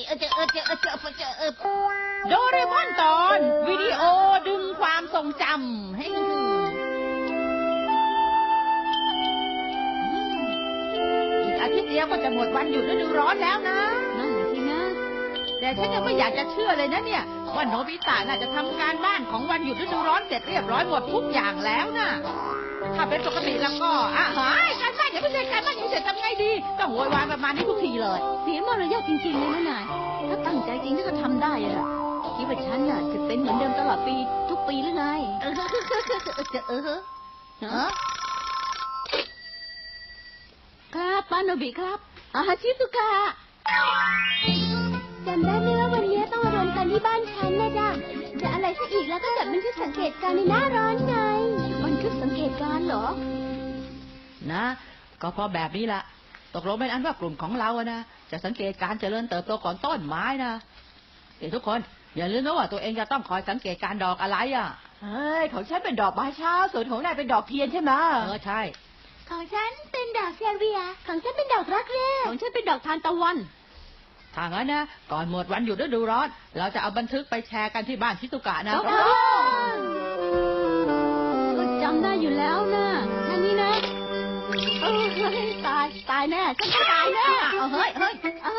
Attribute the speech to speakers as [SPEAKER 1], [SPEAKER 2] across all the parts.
[SPEAKER 1] โดเรมอนตอนวิดีโอดึงความทรงจำให้อีกอาทิตย์เดียวก็จะหมดวันหยุดฤดูร้อนแล้วนะ
[SPEAKER 2] นั่นแหละสินะ
[SPEAKER 1] แต่ฉันยังไม่อยากจะเชื่อเลยนะเนี่ยว่าโนบิตะน่าจะทำการบ้านของวันหยุดฤดูร้อนเสร็จเรียบร้อยหมดทุกอย่างแล้วนะถ้าเป็นปกติแล้วก็การบ้านยังไม่เสร็จการบ้านยังเสร็จทำไงดีต้องโวยวายประมาณนี้ทุกทีเลย
[SPEAKER 2] เสียมารยาทจริงๆเลยนะนายถ้าตั้งใจจริงก็ทำได้อะคิดว่าฉันน่ะจะเป็นเหมือนเดิมตลอดปีทุกปีหรือไงครับปาโนบิครับชิซุกะ
[SPEAKER 3] จำได้ไหมว่าวันนี้ต้องมารวมกันที่บ้านฉันนะจ๊ะจะอะไรซะอีกแล้วก็จดบันทึกสังเกตการณ์ในหน้าร้อนไง
[SPEAKER 2] บันทึกสังเกตการณ์เหรอ
[SPEAKER 1] นะก็เพราะแบบนี้ละตกลงเป็นอันว่ากลุ่มของเราอะนะจะสังเกตการเจริญเติบโตของต้นไม้นะทุกคนอย่าลืมนะว่าตัวเองจะต้องคอยสังเกตการดอกอะไรอ่ะ
[SPEAKER 2] ของฉันเป็นดอกไม้เช้าส่วนของนายเป็นดอกเทียนใช่ไหม
[SPEAKER 1] ใช่
[SPEAKER 3] ของฉันเป็นดอกเซเวียของฉันเป็นดอกรักแร้
[SPEAKER 2] ของฉันเป็นดอกทานตะวัน
[SPEAKER 1] ถ้างั้นนะก่อนหมดวันหยุดฤดูร้อนเราจะเอาบันทึกไปแชร์กันที่บ้านชิซุกะนะ
[SPEAKER 2] ก็จำได้อยู่แล้วนะท่านี้นะตายแน่ฉันจะตายแน่
[SPEAKER 1] เฮ้ย
[SPEAKER 2] ไม่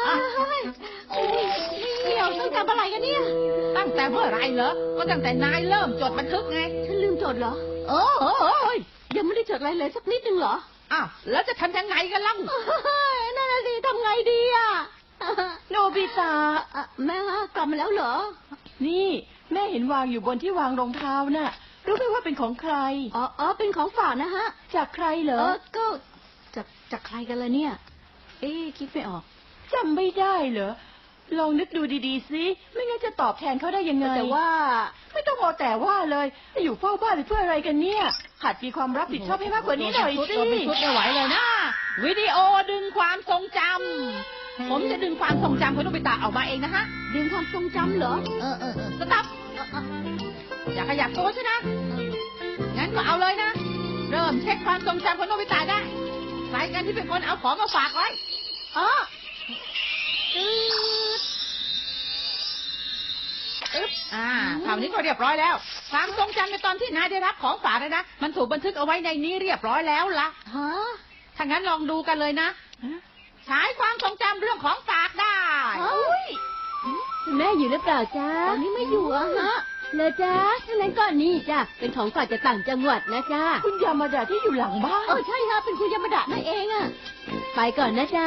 [SPEAKER 2] เกี่ยวต้องจำอะไรกันเนี่ย
[SPEAKER 1] ตั้งแต่เมื่อไรเหรอก็ตั้งแต่นายเริ่มจดบันทึกไง
[SPEAKER 2] ฉันลืมจดเหรอยังไม่ได้จดอะไรเลยสักนิดนึงเหรอ
[SPEAKER 1] แล้วจะทำยังไงกันล่ะ
[SPEAKER 2] นั่นน่ะสิทำไงดีอ่ะ
[SPEAKER 4] โนบิตะ
[SPEAKER 2] แม่กลับมาแล้วเหรอ
[SPEAKER 4] นี่แม่เห็นวางอยู่บนที่วางรองเท้าน่ะรู้ไหมว่าเป็นของใคร
[SPEAKER 2] เป็นของฝากนะฮะ
[SPEAKER 4] จากใครเหรอ
[SPEAKER 2] ก็จากใครกันล่ะเนี่ยคิดไม่ออก
[SPEAKER 4] จำไม่ได้เหรอลองนึกดูดีๆสิไม่งั้นจะตอบแทนเขาได้ยังไง
[SPEAKER 2] แต่ว่า
[SPEAKER 4] ไม่ต้องมองแต่ว่าเลยอยู่เฝ้าบ้านเพื่ออะไรกันเนี่ยหัดมีความรับผิดชอบให้มากกว่านี้หน่อยสิ
[SPEAKER 1] ไม่ไหวเลยนะวิดีโอดึงความทรงจำผมจะดึงความทรงจำของโนบิตะออกมาเองนะฮะ
[SPEAKER 2] ดึงความทรงจำเหรอ
[SPEAKER 1] สต๊อปอย่าขยับตัวใช่นะงั้นก็เอาเลยนะเริ่มเช็คความทรงจำของโนบิตะได้ใครกันที่เป็นคนเอาของมาฝากไว้คราวนี้ก็เรียบร้อยแล้วความทรงจำในตอนที่นายได้รับของฝากเลยนะมันถูกบันทึกเอาไว้ในนี้เรียบร้อยแล้วล่ะถ้างั้นลองดูกันเลยนะฉายความทรงจำเรื่องของฝากได้
[SPEAKER 3] แม่อยู่หรือเปล่าจ๊ะ
[SPEAKER 2] ตอนนี้ไม่อยู่อะฮะ
[SPEAKER 3] เลยจ๊ะทั้งนั้นก็นี่จ้ะเป็นของฝากจากต่างจังหวัดนะจ๊ะ
[SPEAKER 4] คุณยามาดาที่อยู่หลังบ้าน
[SPEAKER 2] ใช่ฮะเป็นคุณยามาดานั่นเองอะ
[SPEAKER 3] ไปก่อนนะจ๊ะ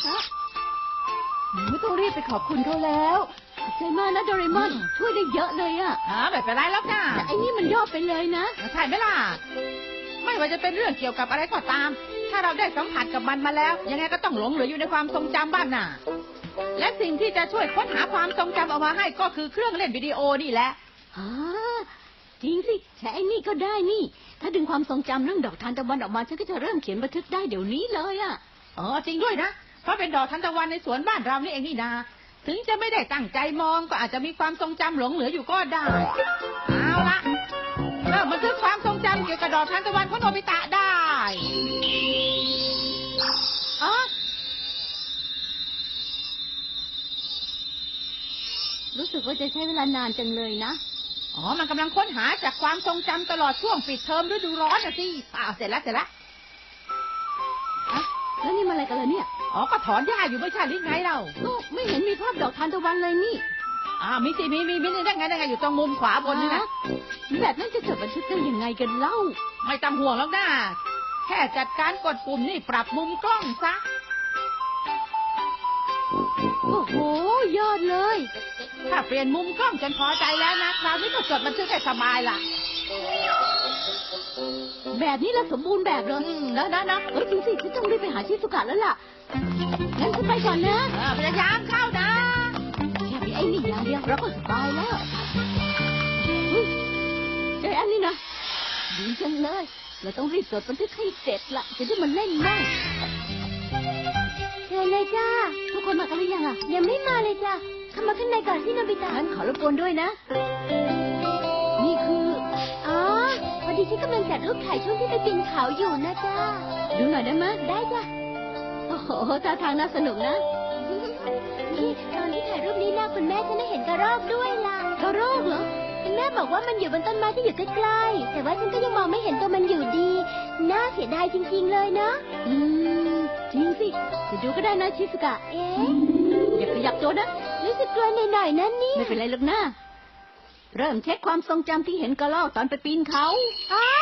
[SPEAKER 4] ไม่ต้องรีบไปขอบคุณเขาแล้ว
[SPEAKER 2] ใช่มากนะโดเรมอนช่วยได้เยอะเลยอะ
[SPEAKER 1] ไม่เป็นไรแล้วนะ
[SPEAKER 2] แต่ไอ้นี่มันยอดไปเลยนะ
[SPEAKER 1] ใช่ไหมล่ะไม่ว่าจะเป็นเรื่องเกี่ยวกับอะไรก็ตามถ้าเราได้สัมผัสกับมันมาแล้วยังไงก็ต้องหลงเหลืออยู่ในความทรงจำบ้างน่ะและสิ่งที่จะช่วยค้นหาความทรงจำออกมาให้ก็คือเครื่องเล่นวิดีโอนี่แหละ
[SPEAKER 2] จริงสิใช้ไอ้นี่ก็ได้นี่ถ้าดึงความทรงจำเรื่องดอกทานตะวันออกมาฉันก็จะเริ่มเขียนบันทึกได้เดี๋ยวนี้เลยอ่ะ
[SPEAKER 1] จริงด้วยนะเพราะเป็นดอกทานตะวันในสวนบ้านเรานี่เองนี่นาถึงจะไม่ได้ตั้งใจมองก็อาจจะมีความทรงจำหลงเหลืออยู่ก็ได้เอาละเริ่มบันทึกความทรงจำเกี่ยวกับดอกทานตะวันของโนบิตะได้
[SPEAKER 2] รู้สึกว่าจะใช้เวลานานจังเลยนะ
[SPEAKER 1] มันกำลังค้นหาจากความทรงจำตลอดช่วงปิดเทอมฤดูร้อนนะสิเสร็จแล้ว
[SPEAKER 2] แล้วนี่มาอะไรกันล่ะเนี่ย
[SPEAKER 1] ก็ถอนหญ้าอยู่ไม่ใช่หรือไงเรา
[SPEAKER 2] ไม่เห็นมีภาพดอกทานตะวันเลยนี่
[SPEAKER 1] มีสิมีได้ไงอยู่ตรงมุมขวาบนนี่นะ
[SPEAKER 2] แบบนั้นจะจดบันทึกได้ยังไงกันเล่า
[SPEAKER 1] ไม่ต้องห่วงแล้วนะแค่จัดการกดปุ่มนี่ปรับมุมกล้องซะ
[SPEAKER 2] โอ้โหยอดเลย
[SPEAKER 1] ถ้าเปลี่ยนมุมกล้องจนพอใจแล้วนะคราวนี้ก็จดบันทึกได้สบายล่ะ
[SPEAKER 2] แบบนี้แล้วสมบูรณ์แบบเลย
[SPEAKER 1] นะ
[SPEAKER 2] จริงสิฉันต้องรีบไปหาชิซุกะแล้วล่ะงั้นฉันไปก่อนนะ
[SPEAKER 1] พยายามเข้านะ
[SPEAKER 2] แค่มีไอ้นี่อย่างเดียวเราก็สบายแล้วเจออันนี้นะดีจังเลยเราต้องรีบจดบันทึกให้เสร็จละจะได้มาเล่นได้
[SPEAKER 3] เชิญเลยจ้า
[SPEAKER 2] ทุกคนมากันหรือยัง
[SPEAKER 3] ยังไม่มาเลยจ้าเข้ามาข้างในก่อนที่โนบิตะ
[SPEAKER 2] งั้นขอรบกวนด้วยนะนี่คือ
[SPEAKER 3] พอดีฉันกำลังจัดรูปถ่ายช่วงที่ไปปีนเขาอยู่นะจ้า
[SPEAKER 2] ดูหน่อยได้ไหม
[SPEAKER 3] ได้จ้ะ
[SPEAKER 2] โอ้โหท่าทางน่าสนุกนะ
[SPEAKER 3] นี่ตอนที่ถ่ายรูปนี้นะคุณแม่ฉันได้เห็นกระรอกด้วยล่ะ
[SPEAKER 2] กระรอกเหรอ
[SPEAKER 3] คุณแม่บอกว่ามันอยู่บนต้นไม้ที่อยู่ใกล้ๆแต่ว่าฉันก็ยังมองไม่เห็นตัวมันอยู่ดีน่าเสียดายจริงๆเลยเนาะ
[SPEAKER 2] อืมจริงสิจะดูก็ได้นะชิสุกะ
[SPEAKER 3] เอ๊ะ
[SPEAKER 2] อย่าขยับตัวนะ
[SPEAKER 3] รู้สึกกลัวหน่อยๆนั่นนี่
[SPEAKER 2] ไม่เป็นไรหรอกนะเริ่มเช็คความทรงจำที่เห็นกระรอกตอนไปปีนเขา
[SPEAKER 3] ไอ้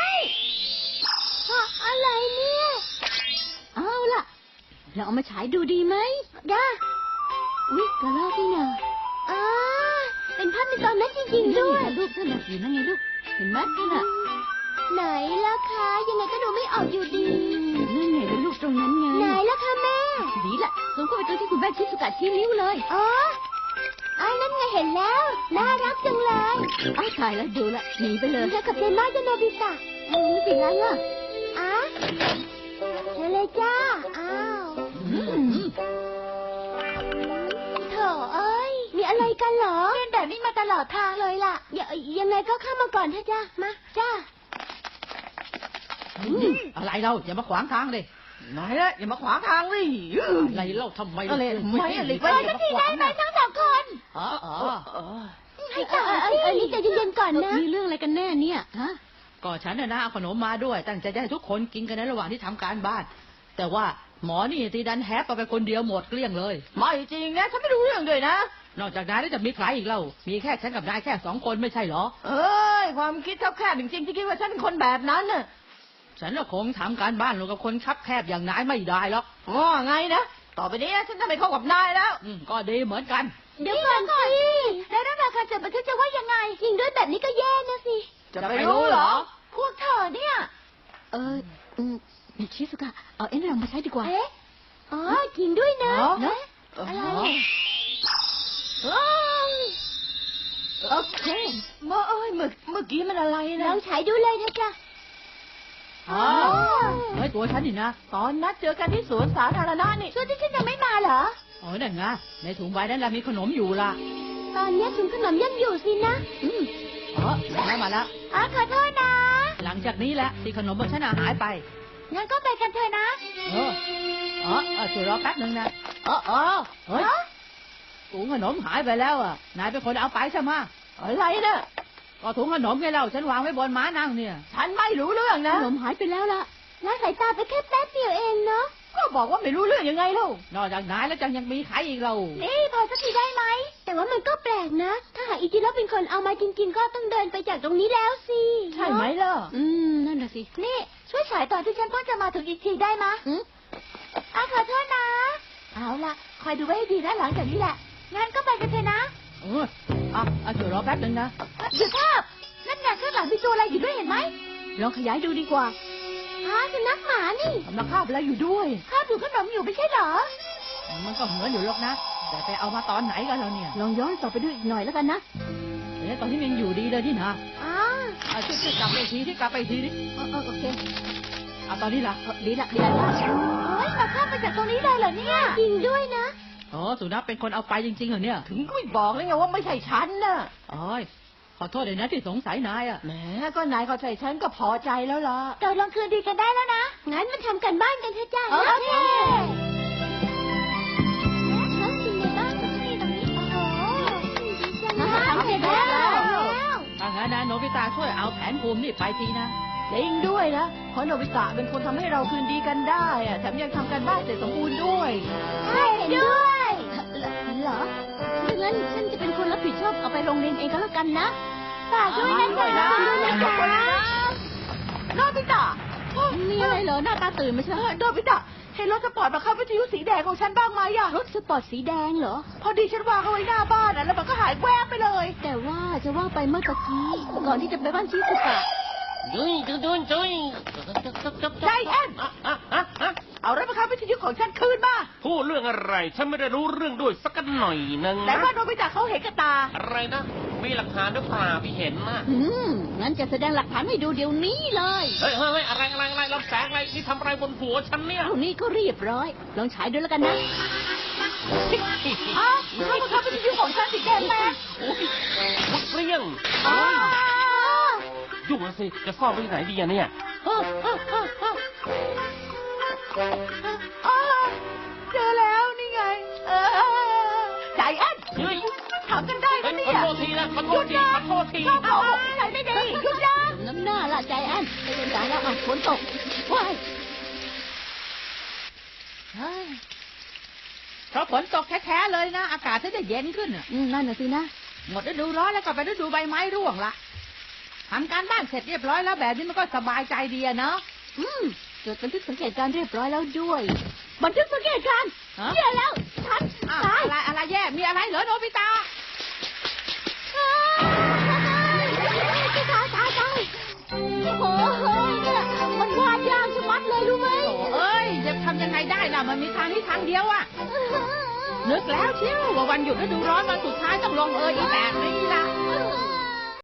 [SPEAKER 3] อะไรเนี่ย
[SPEAKER 2] เอาล่ะเราเอามาฉายดูดีไหม
[SPEAKER 3] ด้า
[SPEAKER 2] อุ๊ยกระรอกนี่นะ
[SPEAKER 3] อ่าเป็นภาพในตอนนั้นจริงๆด้วย
[SPEAKER 2] นั่นไงลูกนั่นน่ะอยู่นั่นไงลูกเห็นไหมนั่นน่ะ
[SPEAKER 3] ไหนล่ะคะยังไงก็ดูไม่ออกอยู่ดี
[SPEAKER 2] นั่นไงเป็นลูกตรงนั้นไง
[SPEAKER 3] ไหนล่ะคะแม่
[SPEAKER 2] ดีละซูมเข้าไปตรงที่คุณแม่ชิสุกะชี้นิ้วเลย
[SPEAKER 3] อ๋อไอ้นั่นไงเห็นแล้ว น่ารักจังเลย
[SPEAKER 2] อ้าวตายแล้วดูละหนีไปเลย
[SPEAKER 3] เธอกับเจนมากจะโนบิตะ
[SPEAKER 2] ไม่เป็นไรอ่ะ
[SPEAKER 3] อ่ะเชิญเลยจ้า อ้าว
[SPEAKER 2] อืม
[SPEAKER 3] โถเอ้ย มีอะไรกันเหรอเป็นแบบนี้มาตลอดทางเลยล่ะ ยังไงก็เข้ามาก่อนเถอะจ้ามา จ้า
[SPEAKER 1] อะไรเราอย่ามาขวางทางเลย
[SPEAKER 4] ไหนละอย่ามาขวางทางเลย
[SPEAKER 1] อะไรเล่าทำไม
[SPEAKER 4] อะไรไม่อะไร
[SPEAKER 3] ไปสักทีได้ไหมทั้งสองคน
[SPEAKER 1] อ๋อ
[SPEAKER 3] ให้ต่อสินี่ใจเย็นๆก่อนนะ
[SPEAKER 2] มีเรื่องอะไรกันแน่เนี่ยฮะ
[SPEAKER 1] ก็ฉันน่ะนะเอาขนมมาด้วยตั้งใจจะให้ทุกคนกินกันในระหว่างที่ทำการบ้าน แต่ว่าหมอนี่ตีดันแฮปไปคนเดียวหมดเกลี้ยงเลย
[SPEAKER 4] ไม่จริงนะฉันไม่รู้เรื่องด้วยนะ
[SPEAKER 1] นอกจากนายแล้วจะมีใครอีกเล่ามีแค่ฉันกับนายแค่2 คนไม่ใช่เหรอ
[SPEAKER 4] เอ้ยความคิดเท่าแค่จริงๆที่คิดว่าฉันเป็นคนแบบนั้นน่ะ
[SPEAKER 1] ฉันน่ะคงทำการบ้านลงกับคนคับแคบอย่างนายไม่ได้หรอก
[SPEAKER 4] ว่าไงนะต่อไปนี้ฉันจะไม่เข้ากับนายแล้ว
[SPEAKER 1] ก็ดีเหมือนกัน
[SPEAKER 3] เดี๋ยวก่อนสิแล้วเรื่องราวการจดบันทึกจะว่ายังไง จริงด้วยแบบนี้ก็แย่นะสิ
[SPEAKER 4] จะไปรู้เหรอ
[SPEAKER 3] พวกเธอเนี่ย
[SPEAKER 2] อืมชิสุกะเอาเอ็นเรามาใช้ดีกว่า
[SPEAKER 3] เอ๊ะ อ๋อ จริงด้วยนะ
[SPEAKER 2] เนอะ
[SPEAKER 3] อะไร
[SPEAKER 2] โอเค
[SPEAKER 4] เมื่อกี้มันอะไร
[SPEAKER 3] ล
[SPEAKER 4] นะ
[SPEAKER 3] องใช้ดูเลยนะจ๊ะ
[SPEAKER 1] อ๋อเฮ้ยตัวฉันนี่นะ
[SPEAKER 4] ตอนนัดเจอกันที่สวนสาธารณะนี่
[SPEAKER 3] ช่วงที่ฉันยังไม่มาเหรอ
[SPEAKER 1] โอ้ยนั่นไงในถุงใบนั้นเรามีขนมอยู่ล่ะ
[SPEAKER 3] ตอนนี้ถุงขนมยังอยู่สินะ
[SPEAKER 1] มาแล้ว
[SPEAKER 3] ขอโทษนะ
[SPEAKER 1] หลังจากนี้แหละที่ขนมของฉันหายไป
[SPEAKER 3] งั้นก็ไปกันเถอะนะ
[SPEAKER 1] ช่วยรอแป๊บนึงนะเฮ้ยถุงขนมหายไปแล้วอ่ะนายเป็นคนเอาไปใช่ไหม
[SPEAKER 4] อะไรนะ
[SPEAKER 1] ก็ถุงขนมไงเราฉันวางไว้บนม้านั่งเนี่ย
[SPEAKER 4] ฉันไม่รู้เรื่อง
[SPEAKER 2] ข
[SPEAKER 4] นะ
[SPEAKER 2] นมหายไปแล้วล่ะ
[SPEAKER 3] ละสายตาไปแค่แป๊บเดียวเองเนาะ
[SPEAKER 4] ก็บอกว่าไม่รู้เรื่องยังไงเล่าน
[SPEAKER 1] อกจากนายแล้วยังมีใครอีกเรา
[SPEAKER 3] นี่พอสักทีได้ไหม แต่ว่ามันก็แปลกนะ ถ้าหากอิจิโร่เป็นคนเอามาจริงๆ ก็ต้องเดินไปจากตรงนี้แล้วสิ
[SPEAKER 4] ใช่ไหมล่ะ
[SPEAKER 2] นั่นน่ะสิ
[SPEAKER 3] นี่ ช่วยฉายตอนที่ฉันเพิ่งจะมาถึงอีกทีได้ไหมะ
[SPEAKER 2] อืม
[SPEAKER 3] ขอโทษนะ เอาล่ะ คอยดูไว้ให้ดีนะหลังจากนี้แหละ งั้นก็ไปกันเถอะนะ
[SPEAKER 1] ช่วยรอแป๊บนึงนะ
[SPEAKER 3] เดี๋ยวภาพนั่นไงข้างหลังมีตัวอะไรอยู่ด้วยเห็นไหม
[SPEAKER 2] ลองขยายดูดีกว่า
[SPEAKER 3] สุนัขหมานี่
[SPEAKER 4] กำลังคาบอะไรอยู่ด้วย
[SPEAKER 3] ข้าวถูกขนมอยู่ไม่ใช่เหรอ
[SPEAKER 1] มันก็เหมือนอยู่หรอกนะ แต่ไปเอามาตอนไหนกันเราเนี่ย
[SPEAKER 2] ลองย้อนต่อไปดูอีกหน่อยแล้วกันนะ
[SPEAKER 1] ตอนที่มันอยู่ดีเลยที่นะ
[SPEAKER 3] อ๋อ
[SPEAKER 1] ช่วยกลับไปทีที่กลับไปทีนี่
[SPEAKER 2] โอเค
[SPEAKER 1] ตอนนี้ล่ะ
[SPEAKER 2] ดีละดีละ
[SPEAKER 3] โอ้ยมาข้ามไปจากตรงนี้เลยเหรอเนี่ย จริงด้วยนะ
[SPEAKER 1] สุนัขเป็นคนเอาไปจริงๆเหรอเนี่ย
[SPEAKER 4] ถึงก็ไม่บอกเลยไงว่าไม่ใช่ฉันน่ะ
[SPEAKER 1] ขอโทษเลยนะที่สงสัยนายอ่ะ
[SPEAKER 4] แหมก็นายเข้าใจฉันก็พอใจแล้วล่ะ
[SPEAKER 3] เราลองคืนดีกันได้แล้วนะ งั้นมาทำกันบ้านกันเถอะจ้า
[SPEAKER 2] โอเค
[SPEAKER 3] แล้วจริงในบ้านก็จะมีตรงนี้ โอ้โหดีจัง
[SPEAKER 2] มา
[SPEAKER 3] เลย
[SPEAKER 2] ทำเสร็จแล้ว
[SPEAKER 1] ถ้างั้นนะโนบิตะช่วยเอาแผนภูมินี่ไปทีนะ
[SPEAKER 4] จริงด้วยนะเพราะโนบิตะเป็นคนทำให้เราคืนดีกันได้อะแถมยังทำกันบ้านเสร็จสมบูรณ์ด้วย
[SPEAKER 3] ใช่ด้วย
[SPEAKER 2] เหรอถ้างั้นฉันจะเป็นคนรับผิดชอบเอาไปโรงเรียนเองก็แล้วกันนะ
[SPEAKER 3] ฝากด้วยนะจ๊ะด้วยนะจ๊ะ
[SPEAKER 4] โนบิตะ
[SPEAKER 2] มีอะไรเหรอหน้าตาตื่นไม่ใช่เหรอ
[SPEAKER 4] โนบิตะเห็นรถสปอร์ตมาเข้าวิทยุสีแดงของฉันบ้างไหมอะ
[SPEAKER 2] รถสปอร์ตสีแดงเหรอ
[SPEAKER 4] พอดีฉันวางเอาไว้หน้าบ้านอะแล้วมันก็หายแวบไปเลย
[SPEAKER 2] แต่ว่าจะว่าไปเมื่อตะกี้ ก่อนที่จะไปบ้านชิสุกะ
[SPEAKER 4] ใจแอนเอารถมาเข้าวิทยุของฉันคืนมา
[SPEAKER 5] พูดเรื่องอะไร ฉันไม่ได้รู้เรื่องด้วยสักหน่อยนึง
[SPEAKER 4] แต่
[SPEAKER 5] นะ
[SPEAKER 4] ว่าโนบิตะเขาเห็นกับตา
[SPEAKER 5] อะไรนะ มีหลักฐานหรือเปล่าพี่เห็นนะ
[SPEAKER 2] งั้นจะแสดงหลักฐานให้ดูเดี๋ยวนี้เลย
[SPEAKER 5] เฮ้ยอะไรลำแสงอะไรนี่ทำอะไรบนหัวฉันเนี่ย
[SPEAKER 2] เท่านี้ก็เรียบร้อย ลองฉายดูแล้วกันนะ
[SPEAKER 4] เข้ามาเข้าวิทยุของฉันสีแดงแม่
[SPEAKER 5] โอ้ยมุดเปรี้ยงยุ่งแล้วสิ จะซ่อนไว้ที่ไหนดีอะเนี่ย
[SPEAKER 4] เจอแล้วนี่ไงใจแอน
[SPEAKER 5] เฮ้ย
[SPEAKER 4] ถามกันได้
[SPEAKER 5] เฮ้
[SPEAKER 4] นะ
[SPEAKER 5] ย
[SPEAKER 4] เนี่
[SPEAKER 5] ขอย โทษทีนะขอโทษทีขอโทษที
[SPEAKER 4] ชอบโกหกใครไม่ดีหยุดนะ
[SPEAKER 2] น้ำหน้าละใจแอนไปเป็นสายแล้วฝนตกว้าย
[SPEAKER 1] เพราะฝนตกแท้ๆเลยนะ อากาศถึงจะเย็นขึ้นน่ะ
[SPEAKER 2] นั่นน่ะสินะ
[SPEAKER 1] หมดฤดูร้อนแล้วก็ไปฤดูใบไม้ร่วงละทำการบ้านเสร็จเรียบร้อยแล้วแบบนี้มันก็สบายใจดีอะเนาะ
[SPEAKER 2] จดบันทึกสังเกตการณ์เรียบร้อยแล้วด้วย บันทึกสังเกตการณ์
[SPEAKER 1] ฮะ
[SPEAKER 2] แย่แล้วฉัน
[SPEAKER 1] อ้าว
[SPEAKER 2] ตาย
[SPEAKER 1] อะไรแย่ มีอะไรเหรอโนบิตะ
[SPEAKER 2] ตายโอ้โหเนี่ยมันวาดยากชะมัดเลยรู้ไหม
[SPEAKER 1] โถ่เอ้ยจะทำยังไงได้ล่ะ มันมีทางนี้ทางเดียวอะนึกแล้วเชียวว่าวันหยุดฤดูร้อนวันสุดท้ายต้องลงอีแบบนี้ละ